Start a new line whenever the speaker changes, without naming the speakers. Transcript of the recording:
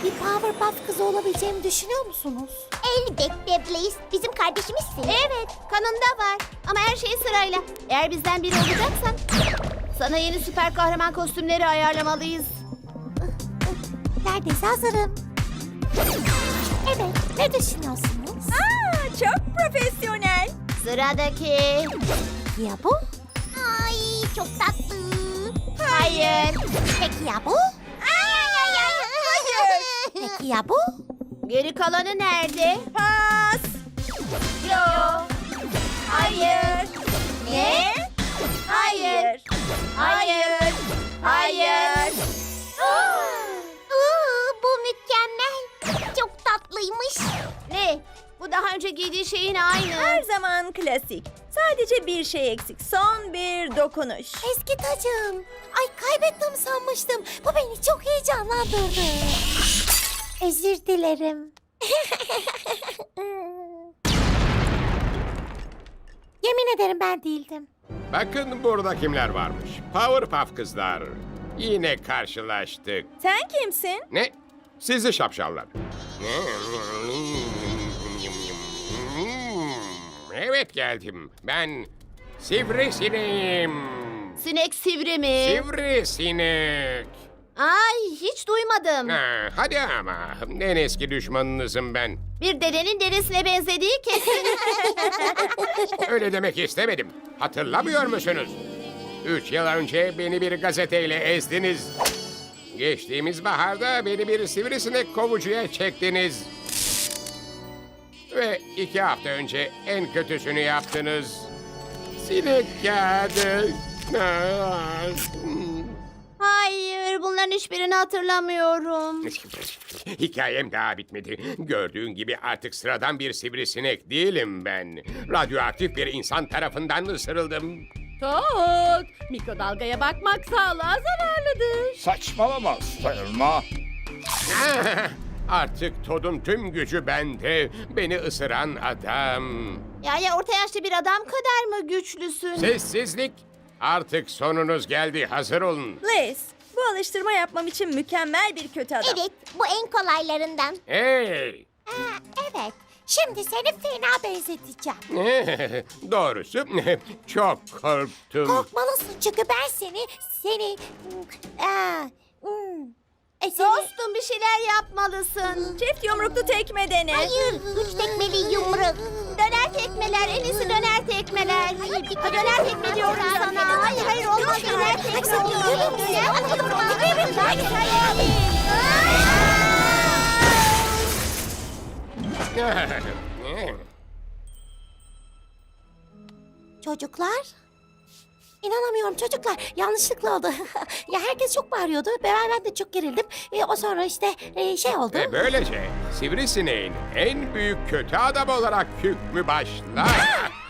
bir Powerpuff kızı olabileceğimi düşünüyor musunuz?
Elbette Blaze. Bizim kardeşimizsin.
Evet, kanımda var. Ama her şey sırayla. Eğer bizden biri olacaksan sana yeni süper kahraman kostümleri ayarlamalıyız.
Neredeyse hazırım. Evet, ne düşünüyorsunuz?
Çok profesyonel.
Sıradaki.
Ya bu?
Ay çok tatlı.
Hayır.
Peki ya bu? Peki ya bu?
Geri kalanı nerede?
Pas.
Yo.
Hayır.
Ne? Hayır. Hayır. Hayır.
Bu mükemmel. Çok tatlıymış.
Ne? Bu daha önce giydiği şeyin aynı.
Her zaman klasik. Sadece bir şey eksik. Son bir dokunuş.
Eski tacım. Ay kaybettim sanmıştım. Bu beni çok heyecanlandırdı. Özür dilerim. Yemin ederim ben değildim.
Bakın burada kimler varmış. Powerpuff kızlar. Yine karşılaştık.
Sen kimsin?
Ne? Sizi şapşallar. Evet geldim. Ben Sivrisineğim.
Sinek sivri mi?
Sivrisinek.
Ay hiç duymadım.
Ha, hadi ama. En eski düşmanınızım ben.
Bir dedenin dedesine benzediği kesin.
Öyle demek istemedim. Hatırlamıyor musunuz? 3 yıl önce beni bir gazeteyle ezdiniz. Geçtiğimiz baharda beni bir sivrisinek kovucuya çektiniz. Ve 2 hafta önce en kötüsünü yaptınız. Sinek kağıdı.
Hayır, bunların hiçbirini hatırlamıyorum.
Hikayem daha bitmedi. Gördüğün gibi artık sıradan bir sivrisinek değilim ben. Radyoaktif bir insan tarafından ısırıldım.
Tok! Mikrodalgaya bakmak sağlığa zararlıdır.
Saçmalama Selma.
Artık Todd'un tüm gücü bende. Beni ısıran adam.
Ya orta yaşlı bir adam kadar mı güçlüsün?
Sessizlik. Artık sonunuz geldi. Hazır olun.
Blaze, bu alıştırma yapmam için mükemmel bir kötü adam.
Evet, bu en kolaylarından.
Hey!
Evet, şimdi seni fena benzeteceğim.
Doğrusu çok korktum.
Korkmalısın çünkü ben seni... Seni...
Dostum bir şeyler yapmalısın.
Çift yumruklu tekme dene.
Hayır, 3 tekmeli yumruk.
Döner tekmeler, en iyisi döner tekmeler.
Hayır, bir
Döner tekme diyorum sana. Hayır, hayır olmaz döner tekme olur.
Çocuklar? İnanamıyorum çocuklar. Yanlışlıkla oldu. Ya herkes çok bağırıyordu. Ben de çok gerildim. O sonra işte şey oldu.
Ve böylece sivrisineğin en büyük kötü adam olarak hükmü başlar.